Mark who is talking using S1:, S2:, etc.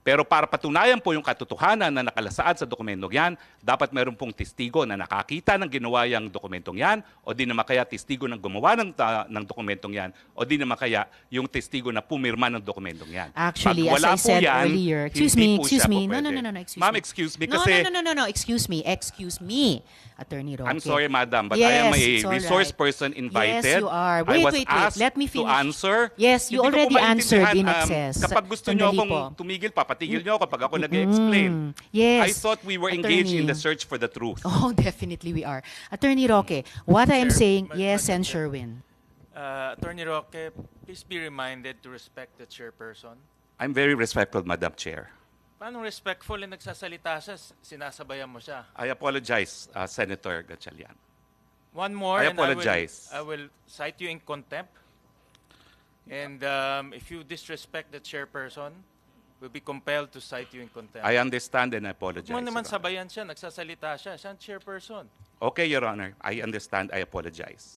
S1: Pero para patunayan po yung katotohanan na nakalasaad sa dokumentong yan, dapat meron pong testigo na nakakita ng ginawa yung dokumentong yan, o di naman kaya testigo ng gumawa ng dokumentong yan, o di naman kaya yung testigo na pumirma ng dokumentong yan.
S2: Actually,
S1: Pag
S2: as
S1: wala
S2: I
S1: po
S2: said
S1: yan,
S2: earlier, excuse
S1: hindi
S2: me,
S1: po
S2: excuse
S1: siya
S2: me.
S1: po
S2: No,
S1: pwede.
S2: excuse
S1: Ma'am,
S2: me.
S1: excuse me
S2: No,
S1: kasi...
S2: excuse me, Attorney Roque.
S1: I'm sorry, madam, but
S2: Yes,
S1: I am a
S2: it's all
S1: resource
S2: right.
S1: person invited.
S2: Yes, you are.
S1: I was
S2: Wait.
S1: asked
S2: Let me
S1: to
S2: finish.
S1: answer.
S2: Yes, you
S1: Hindi ko po
S2: already answered in
S1: maintindihan,
S2: excess.
S1: Kapag gusto niyo
S2: Sandali
S1: akong
S2: po.
S1: tumigil, papatigil niyo ako pag ako nag-explain.
S2: Yes.
S1: I thought we were engaged in
S2: Attorney.
S1: the search for the truth.
S2: Oh, definitely we are. Attorney Roque, what I am
S3: Chair,
S2: saying,
S3: Madam
S2: yes, and
S3: Chair.
S2: Sherwin.
S3: Attorney Roque, please be reminded to respect the chairperson.
S1: I'm very respectful, Madam Chair.
S3: Paano respectful na nagsasalita siya, sinasabayan mo siya?
S1: I apologize, Senator Gatchalian.
S3: One more,
S1: I
S3: and
S1: apologize.
S3: I will cite you in contempt. And if you disrespect the chairperson, we'll be compelled to cite you in contempt.
S1: I understand and I apologize.
S3: Huwag mo naman
S1: Your Honor.
S3: sabayan siya, nagsasalita siya, siya ang chairperson.
S1: Okay, Your Honor. I understand. I apologize.